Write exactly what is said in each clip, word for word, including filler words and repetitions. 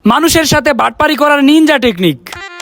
মানুষের সাথে বাটপারি করার নিনজা টেকনিক।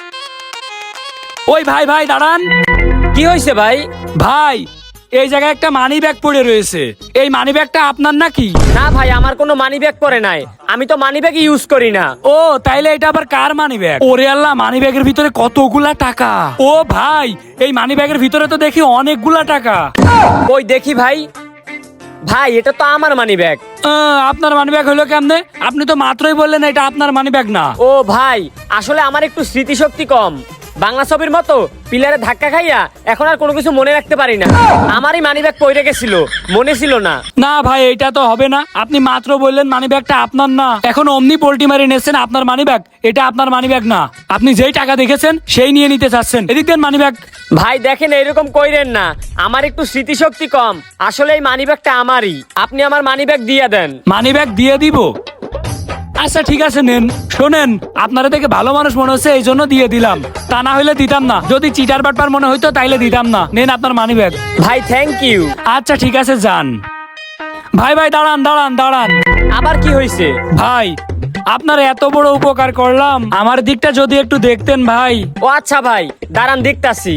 ওই ভাই ভাই দাঁড়ান। কি হয়েছে ভাই? ভাই এই জায়গায় একটা মানি ব্যাগ পড়ে রয়েছে, এই মানি ব্যাগটা আপনার নাকি? না ভাই, আমার কোনো মানি ব্যাগ পরে নাই, আমি তো মানি ব্যাগ ইউজ করি না। ও তাইলে এটা আবার কার মানি ব্যাগ? ওরে আল্লাহ, মানি ব্যাগের ভিতরে কতগুলা টাকা। ও ভাই এই মানি ব্যাগের ভিতরে তো দেখি অনেকগুলা টাকা। ওই দেখি ভাই, ভাই এটা তো আমার মানি ব্যাগ। আহ, আপনার মানি ব্যাগ হলো কেমনে? আপনি তো মাত্রই বললেন এটা আপনার মানি ব্যাগ না। ও ভাই, আসলে আমার একটু স্মৃতিশক্তি কম, বাংলা ছবির মতো পিলারে ধাক্কা খাইয়া এখন আর কোনো কিছু মনে রাখতে পারি না। আমারই মানি ব্যাগ পড়ে গেছিল, মনে ছিল না। না ভাই এটা তো হবে না, আপনি মাত্র বললেন মানি ব্যাগটা আপনার না, এখন অমনি পোল্টি মারি নিয়েছেন আপনার মানি ব্যাগ। এটা আপনার মানি ব্যাগ না, আপনি যেই টাকা দেখেছেন সেই নিয়ে নিতে চাচ্ছেন। এদিক দেন মানি ব্যাগ। ভাই দেখেন এরকম কইরেন না, আমার একটু স্মৃতিশক্তি কম, আসলে এই মানি ব্যাগটা আমারই, আপনি আমার মানি ব্যাগ দিয়ে দেন। মানি ব্যাগ দিয়ে দিব? আচ্ছা ঠিক আছে নেন। শোনেন, আপনারা দেখে ভালো মানুষ মনে হচ্ছে এই জন্য দিয়ে দিলাম, তা না হলে দিতাম না। যদি চিটার বাটপার মনে হইতো তাইলে দিতাম না। নেন আপনার মানি ব্যাগ। ভাই থ্যাংক ইউ। আচ্ছা ঠিক আছে যান। ভাই ভাই দাঁড়ান দাঁড়ান দাঁড়ান। আবার কি হয়েছে? ভাই আপনার এত বড় উপকার করলাম, আমার দিকটা যদি একটু দেখতেন ভাই। ও আচ্ছা ভাই, দাঁড়ান দেখতাছি।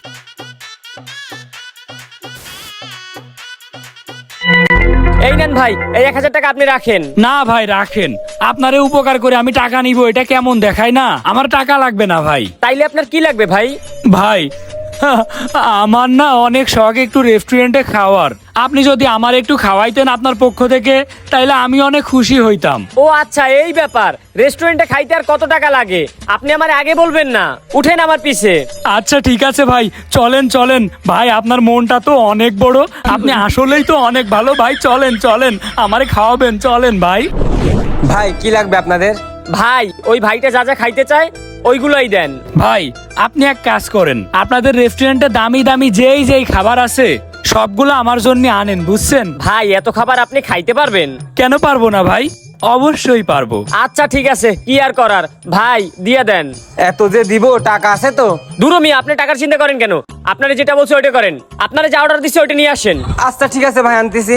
এই নেন ভাই, এই এক হাজার টাকা আপনি রাখেন। না ভাই রাখেন, আপনারে উপকার করে আমি টাকা নিব এটা কেমন দেখায় না? আমার টাকা লাগবে না ভাই। তাইলে আপনার কি লাগবে ভাই? ভাই আমার না অনেক শখ একটু রেস্টুরেন্টে খাওয়ার, আপনি যদি আমার একটু খাওয়াইতেন আপনার পক্ষ থেকে তাইলে আমি অনেক খুশি হইতাম। ও আচ্ছা এই ব্যাপার, রেস্টুরেন্টে খাইতে আর কত টাকা লাগে আপনি আমার আগে বলবেন না, উঠেন আমার পিছে। আচ্ছা ঠিক আছে ভাই, চলেন চলেন। ভাই আপনার মনটা তো অনেক বড়, আপনি আসলেই তো অনেক ভালো। ভাই চলেন চলেন, আমারে খাওয়াবেন, চলেন ভাই। ভাই কি লাগবে আপনাদের? ভাই ওই ভাইটা যা যা খাইতে চায় ওইগুলোই দেন। ভাই আপনি এক কাজ করেন, আপনাদের রেস্টুরেন্টে দামি দামি যেই যেই খাবার আছে সবগুলো আমার জন্য আনেন, বুঝছেন? ভাই এত খাবার আপনি খাইতে পারবেন? কেন পারবো না ভাই, অবশ্যই পারবো। আচ্ছা ঠিক আছে, কি আর করার, ভাই দিয়ে দেন। এত যে দিব, টাকা আছে তো? দূর মিয়া, আপনি টাকার চিন্তা করেন কেন? আপনারা যেটা বলছে ওইটা করেন, আপনারা যা অর্ডার দিচ্ছে ওইটা নিয়ে আসেন। আচ্ছা ঠিক আছে ভাই, আনতেছি।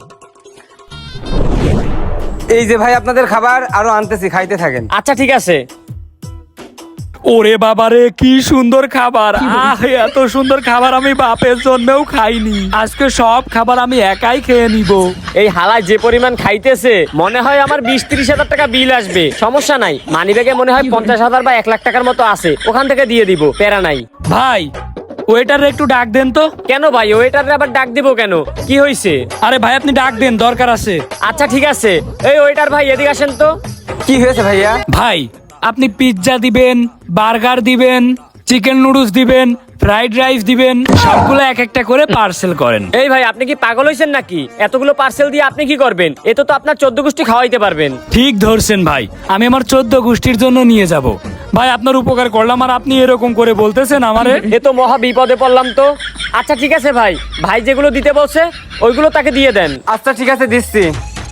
এই যে ভাই আপনাদের খাবার, আরো আনতেছি, খাইতে থাকেন। আচ্ছা ঠিক আছে। ওরে বাবারে কি সুন্দর খাবার! আহ এত সুন্দর খাবার আমি বাপের জন্মেও খাইনি, আজকে সব খাবার আমি একাই খেয়ে নিব। এই হালায় যে পরিমাণ খাইতেছে মনে হয় আমার বিশ ত্রিশ হাজার টাকা বিল আসবে। সমস্যা নাই, মানি ব্যাগে মনে হয় পঞ্চাশ হাজার বা এক লাখ টাকার মতো আছে, ওখান থেকে দিয়ে দিব, প্যারা নাই। ভাই ওয়েটার একটু ডাক দেন তো। কেন ভাই, ওয়েটারে আবার ডাক দিব কেন? কি হয়েছে? আরে ভাই আপনি ডাক দেন, দরকার আছে। আচ্ছা ঠিক আছে। এই ওয়েটার ভাই এদিকে আসেন তো। কি হয়েছে ভাইয়া? ভাই আপনি পিৎজা দিবেন, বার্গার দিবেন, চিকেন নুডলস দিবেন, ফ্রাইড রাইস দিবেন, সবগুলো এক একটা করে পার্সেল করেন। এই ভাই আপনি কি পাগল হয়েছেন নাকি? এতগুলো পার্সেল দিয়ে আপনি কি করবেন? এ তো তো আপনার চোদ্দ গোষ্ঠী খাওয়াইতে পারবেন। ঠিক ধরছেন ভাই, আমি আমার চোদ্দ গোষ্ঠীর জন্য নিয়ে যাব। ভাই আপনার উপকার করলাম আর আপনি এরকম করে বলতেছেন আমারে? এ তো মহা বিপদে পড়লাম তো। আচ্ছা ঠিক আছে ভাই, ভাই যেগুলো দিতে বলছে ওইগুলো তাকে দিয়ে দেন। আচ্ছা ঠিক আছে, দিচ্ছি।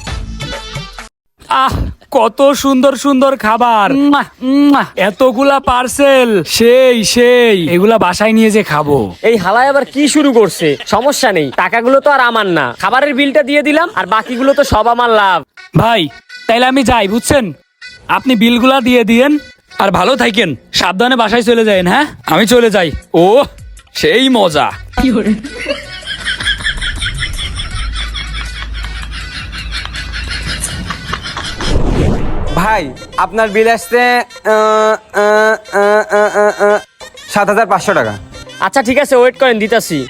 আহ কত সুন্দর সুন্দর খাবার, মুয়া, মুয়া। এতগুলা পার্সেল, সেই সেই এগুলা বাসায় নিয়ে যে খাবো। এই হালায় আবার কি শুরু করছে? সমস্যা নেই, টাকাগুলো তো আর আমার না, খাবারের বিলটা দিয়ে দিলাম আর বাকিগুলো তো সব আমার লাভ। ভাই তাইলে আমি যাই, বুঝছেন? আপনি বিলগুলা দিয়ে দিয়েন আর ভালো থাকেন, সাবধানে বাসায় চলে যাবেন। হ্যাঁ আমি চলে যাই। ও সেই মজা। ভাই আপনার বিল আসছে আহ, আহ, আহ, আহ, আহ, আহ, সাত হাজার পাঁচশো টাকা। আচ্ছা ঠিক আছে, ওয়েট করেন, দিতাছি।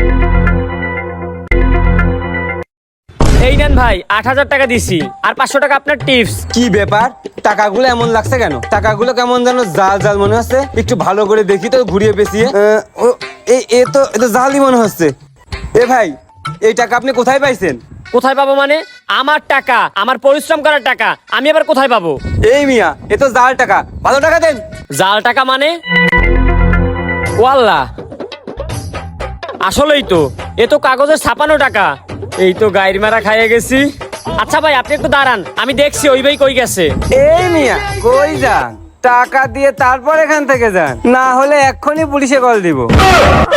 এই নেন ভাই, আট হাজার টাকা দিছি আর পাঁচশো টাকা আপনার টিপস। কি ব্যাপার, টাকাগুলো এমন লাগছে কেন? টাকাগুলো কেমন যেন জাল জাল মনে হচ্ছে, একটু ভালো করে দেখি তো, ঘুরিয়ে পেঁচিয়ে। আহ, ও এই এ তো এ তো জালই মনে হচ্ছে। এ ভাই, এই টাকা আপনি কোথায় পাইছেন? কোথায় পাবো মানে? আমার টাকা, আমার পরিশ্রম করার টাকা, আমি আবার কোথায় পাবো? এই মিয়া, এ তো জাল টাকা, ভালো টাকা দেন। জাল টাকা মানে? ওয়াল্লাহ, আসলেই তো, এ তো কাগজের ছাপানো টাকা। এই তো গায়ের মারা খাইয়ে গেছি। আচ্ছা ভাই আপনি একটু দাঁড়ান, আমি দেখছি ওই ভাই কই গেছে। এই মিয়া কই যান? টাকা দিয়ে তারপর এখান থেকে যান, না হলে এক্ষুনি পুলিশে কল দিব।